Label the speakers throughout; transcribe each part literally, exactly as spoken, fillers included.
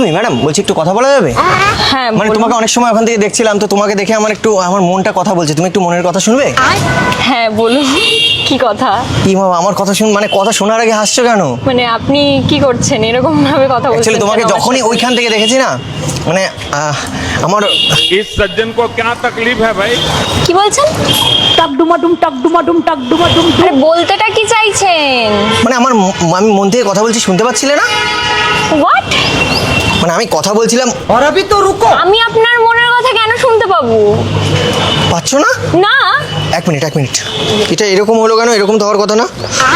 Speaker 1: Me madam, বলছি একটু কথা বলা যাবে?
Speaker 2: হ্যাঁ
Speaker 1: মানে
Speaker 2: বলুন।
Speaker 1: তোমাকে অনেক সময় ওখান থেকে দেখছিলাম, তো তোমাকে দেখে আমার একটু আমার মনটা কথা বলছে, তুমি একটু মনের কথা শুনবে?
Speaker 2: হ্যাঁ বলুন, কি কথা?
Speaker 1: কি বাবা, আমার কথা শুন, মানে কথা শোনার আগে হাসছো কেন?
Speaker 2: মানে আপনি কি করছেন এরকম ভাবে কথা বলছেন?
Speaker 1: অ্যাকচুয়ালি তোমাকে
Speaker 2: কেন আমার
Speaker 1: যখনই
Speaker 2: সাথে?
Speaker 1: ওইখান থেকে দেখেছি না, মানে আহ, আমার
Speaker 3: इस सज्जन को क्या तकलीफ है भाई?
Speaker 2: কি বলছেন?
Speaker 4: টাক ডুমা ডুম টাক ডুমা ডুম টাক ডুমা ডুম ডুম।
Speaker 2: আরে বলতেটা কি চাইছেন?
Speaker 1: মানে আমার ম- আমি মন থেকে কথা বলছি, শুনতে পাচ্ছিলে না?
Speaker 2: হোয়াট?
Speaker 1: মানে আমি কথা বলছিলাম,
Speaker 5: और अभी तो रुको।
Speaker 2: আমি আপনার মনের কথা কেন শুনতে পাবো?
Speaker 1: পাচ্ছ না?
Speaker 2: না।
Speaker 1: এক মিনিট এক মিনিট, এটা এরকম হলো কেন? এরকম তো হওয়ার কথা না।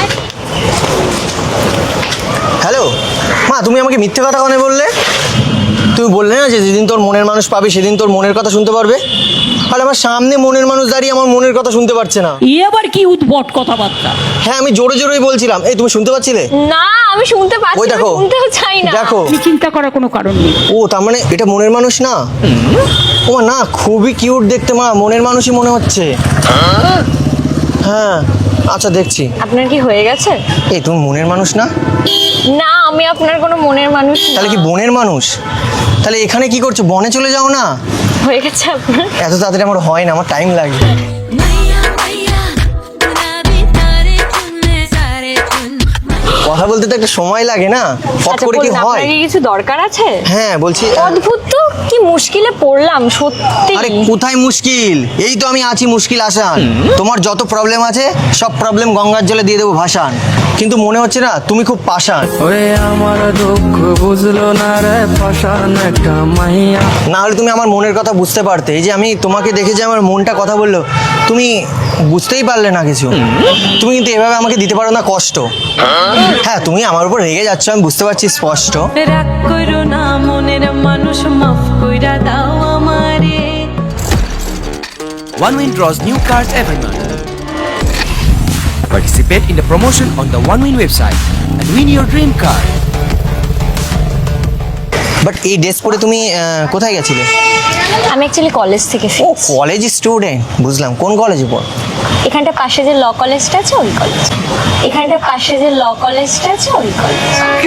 Speaker 1: হ্যালো মা, তুমি আমাকে মিথ্যে কথা কেন বললে? তুমি বললে না যে যেদিন তোর মনের মানুষ পাবি সেদিন তোর মনের কথা শুনতে পারবে। তাহলে আমার সামনে মনের মানুষ দাঁড়িয়ে আমার মনের কথা শুনতে পারছে না।
Speaker 4: ই আবার কি উদ্ভট কথাবার্তা?
Speaker 1: হ্যাঁ, আমি জোরে জোরেই বলছিলাম। এই তুমি শুনতে পাচ্ছিলে?
Speaker 2: না আমি শুনতে পাচ্ছি
Speaker 1: ওই
Speaker 2: না,
Speaker 1: দেখো,
Speaker 2: শুনতেও চাই না।
Speaker 1: দেখো।
Speaker 4: আপনি চিন্তা করার কোনো কারণ নেই।
Speaker 1: ও তার মানে এটা মনের মানুষ না? ও মা, না খুবই কিউট দেখতে মা, মনের মানুষই মনে হচ্ছে। হ্যাঁ আচ্ছা দেখছি।
Speaker 2: আপনার কি হয়ে গেছে?
Speaker 1: এই তুমি মনের মানুষ না?
Speaker 2: না আমি আপনার কোনো মনের মানুষ না।
Speaker 1: তাহলে কি বনের মানুষ? তাহলে এখানে কি করছো? বনে চলে যাও না।
Speaker 2: হয়ে গেছে আপনার?
Speaker 1: এত তাড়াতাড়ি আমার হয় না, আমার টাইম লাগে।
Speaker 6: मैया मैया गुलाबी तारे चुनने सारे चुन
Speaker 1: কথা বলতে তো একটা সময় লাগে না, ফট
Speaker 2: আচ্ছা
Speaker 1: করে কি
Speaker 2: বলুন,
Speaker 1: হয়?
Speaker 2: আপনার কি কিছু দরকার আছে?
Speaker 1: হ্যাঁ বলছি।
Speaker 2: অদ্ভুত তো, কি মুশকিলে পড়লাম সত্যি।
Speaker 1: আরে কোথায় মুশকিল? এই তো আমি আছি মুশকিল আসান। তোমার যত প্রবলেম আছে সব প্রবলেম গঙ্গার জলে দিয়ে দেবো ভাসান। কিন্তু মনে হচ্ছে না তুমি খুব পাষাণ।
Speaker 5: ওরে আমার দুঃখ বুঝলো না রে, পাষাণ একটা মাইয়া।
Speaker 1: না হলে তুমি আমার মনের কথা বুঝতে পারতে। এই যে আমি তোমাকে দেখে যে আমার মনটা কথা বললো, তুমি বুঝতেই পারলে না কিছু। তুমি কিন্তু এভাবে আমাকে দিতে পারো না কষ্ট। হ্যাঁ তুমি আমার উপর রেগে যাচ্ছ, আমি বুঝতে পারছি স্পষ্ট।
Speaker 6: রাগ করো না মনের মানুষ মাফ কইরা দাও আমারে
Speaker 7: OneWin draws new cards every month. Participate in the promotion on the OneWin website and win your dream card.
Speaker 1: But এই ড্রেস পরে তুমি আহ, কোথায় গেছিলে?
Speaker 2: আমি অ্যাকচুয়ালি কলেজ থেকে
Speaker 1: ও
Speaker 2: ফিরছি।
Speaker 1: কলেজ স্টুডেন্ট, বুঝলাম। কোন কলেজে পড়?
Speaker 2: এখানটা পাশে যে ল কলেজটা আছে ওই কলেজ। এখানটা পাশে যে ল কলেজটা আছে ওই কলেজ।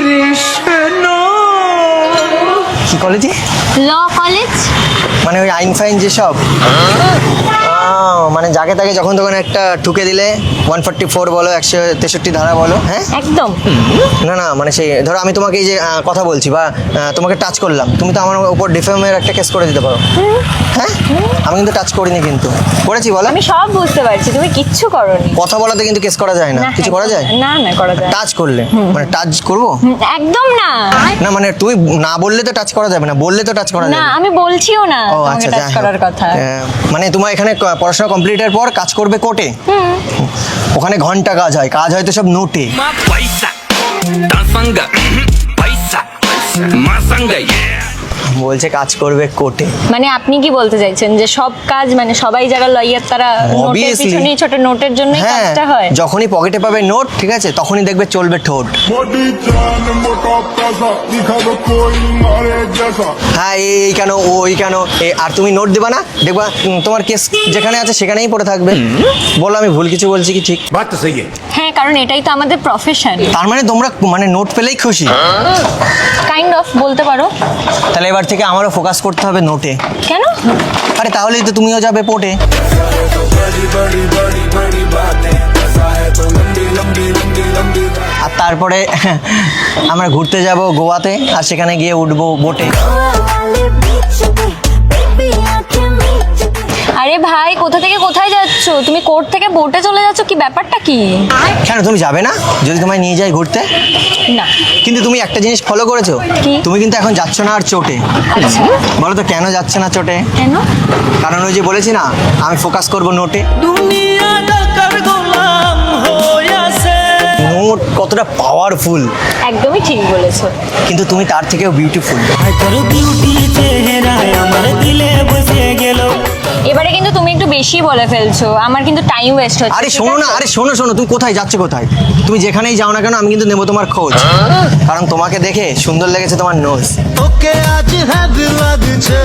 Speaker 1: কি কলেজে?
Speaker 2: Law college.
Speaker 1: মানে ওই আইন ফাইন যেসব? আহ, মানে যাকে তাকে যখন তখন একটা ঠুকে দিলে ওয়ান ফোর্টি ফোর বলো, একশো তেষট্টি ধারা বলো। হ্যাঁ
Speaker 2: একদম।
Speaker 1: না না, মানে সেই ধরো আমি তোমাকে এই যে আহ, কথা বলছি বা আহ, তোমাকে টাচ করলাম, তুমি তো আমার উপর ডিফেমের একটা কেস করে দিতে পারো। হ্যাঁ আমি কিন্তু টাচ করিনি, কিন্তু করেছি বলো।
Speaker 2: আমি সব বুঝতে পারছি, তুমি কিচ্ছু করোনি।
Speaker 1: কথা বলাতে কিন্তু কেস করা যায় না।
Speaker 2: না,
Speaker 1: কিছু করা যায়?
Speaker 2: না না করা যায় না।
Speaker 1: টাচ করলে মানে টাচ করবো
Speaker 2: হুম, একদম না।
Speaker 1: না, মানে তুমি না বললে তো টাচ করা যাবে না, বললে তো টাচ করা
Speaker 2: না
Speaker 1: যাবে।
Speaker 2: আমি বলছিও না
Speaker 1: ও
Speaker 2: তোমাকে
Speaker 1: আচ্ছা,
Speaker 2: টাচ
Speaker 1: যাই হোক।
Speaker 2: করার কথা।
Speaker 1: আহ, মানে তোমার এখানে ক- পড়াশোনা কমপ্লিটের পর কাজ করবে কোর্টে? ওখানে ঘন্টা কাজ হয়, কাজ হয় তো সব নোটে।
Speaker 7: Paisa, Tansanga, Paisa, Masanga, yeah.
Speaker 1: বলছে কাজ করবে কোর্টে।
Speaker 2: মানে আপনি কি বলতে চাইছেন যে সব কাজ মানে সবাই যারা লয়ার তারা নোটের
Speaker 1: Obviously.
Speaker 2: পিছনেই ছোট নোটের জন্যই
Speaker 1: হ্যাঁ,
Speaker 2: কাজটা হয়?
Speaker 1: যখনই পকেটে পাবে নোট, ঠিক আছে, তখনই দেখবে চলবে ঠোঁট।
Speaker 8: मोटी जान मोटा पैसा दिखावे कोई मारे जैसा
Speaker 1: হ্যাঁ এই এই কেন, ওই কেন, এ, আর তুমি নোট দেবা না, দেখবা উম, তোমার কেস যেখানে আছে সেখানেই পড়ে থাকবে। বলো আমি ভুল কিছু বলছি কি ঠিক?
Speaker 7: बात तो सही है.
Speaker 2: হ্যাঁ কারণ এটাই তো আমাদের প্রফেশন।
Speaker 1: তার মানে তোমরা মানে নোট পেলেই খুশি?
Speaker 2: কাইন্ড অফ বলতে পারো।
Speaker 1: তাহলে এবার থেকে আমারও ফোকাস করতে হবে নোটে।
Speaker 2: কেন?
Speaker 1: আরে তাহলেই তো তুমিও যাবে পোর্টে। আর তারপরে আমরা ঘুরতে যাব গোয়াতে, আর সেখানে গিয়ে উঠবো বোটে।
Speaker 2: আরে ভাই কোথা থেকে কোথায় যাচ্ছ? তুমি কোর্ট থেকে বোটে চলে যাচ্ছ, কি ব্যাপারটা কি?
Speaker 1: কেন তুমি যাবে না যদি তোমায় নিয়ে যাই ঘুরতে?
Speaker 2: না।
Speaker 1: কিন্তু তুমি একটা জিনিস ফলো করেছো,
Speaker 2: কি?
Speaker 1: তুমি কিন্তু এখন যাচ্ছ না আর চোটে।
Speaker 2: আচ্ছা
Speaker 1: বলো তো কেন যাচ্ছে না চোটে?
Speaker 2: কেন?
Speaker 1: কারণ ওই যে বলেছি না, আমি ফোকাস করব নোটে।
Speaker 5: দুনিয়া ডাকার গোলাম হইয়াছে।
Speaker 1: নোট কতটা পাওয়ারফুল,
Speaker 2: একদমই ঠিক বলেছো।
Speaker 1: কিন্তু তুমি তার থেকেও বিউটিফুল।
Speaker 5: তোর বিউটি চেহারায় আমার দিলে বসে গেল।
Speaker 2: এবারে কিন্তু তুমি একটু বেশি বলে ফেলছো, আমার কিন্তু টাইম ওয়েস্ট হচ্ছে।
Speaker 1: আরে
Speaker 2: ঠিক
Speaker 1: শোনো
Speaker 2: আছে?
Speaker 1: না, আরে শোনো শোনো, তুমি কোথায় যাচ্ছ কোথায়? তুমি যেখানেই যাও না কেন আমি কিন্তু নেবো তোমার খোঁজ। কারণ তোমাকে দেখে সুন্দর লেগেছে তোমার নোজ।
Speaker 5: ওকে আজ হাত লাগছে।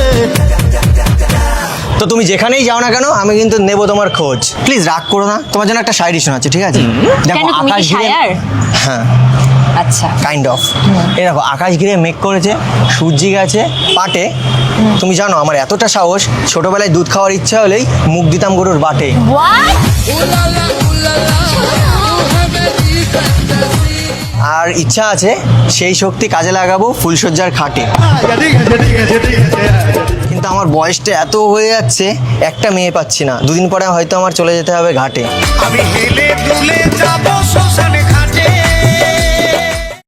Speaker 1: তো তুমি যেখানেই যাও না কেন আমি কিন্তু নেবো তোমার খোঁজ। প্লিজ রাগ করো না, তোমার জন্য একটা শায়রি শোনাচ্ছি, ঠিক আছে?
Speaker 2: কেন, তুমি কি
Speaker 1: ঘিরে-
Speaker 2: শায়ার?
Speaker 1: হ্যাঁ
Speaker 2: আচ্ছা
Speaker 1: কাইন্ড অফ। এই দেখো আকাশ ঘিরে মেঘ করেছে, সূর্যি গেছে পাটে। তুমি জানো আমার এতটা সাহস, ছোটবেলায় দুধ খাওয়ার ইচ্ছা হলেই মুখ দিতাম গরুর বাটে।
Speaker 2: হোয়াট?
Speaker 1: আর ইচ্ছা আছে সেই শক্তি কাজে লাগাবো ফুলশয্যার খাটে। কিন্তু আমার বয়সটা এত হয়ে যাচ্ছে, একটা মেয়ে পাচ্ছি না। দুদিন পরে হয়তো আমার চলে যেতে হবে ঘাটে।
Speaker 9: আমি হেলে দুলে যাবো শ্মশান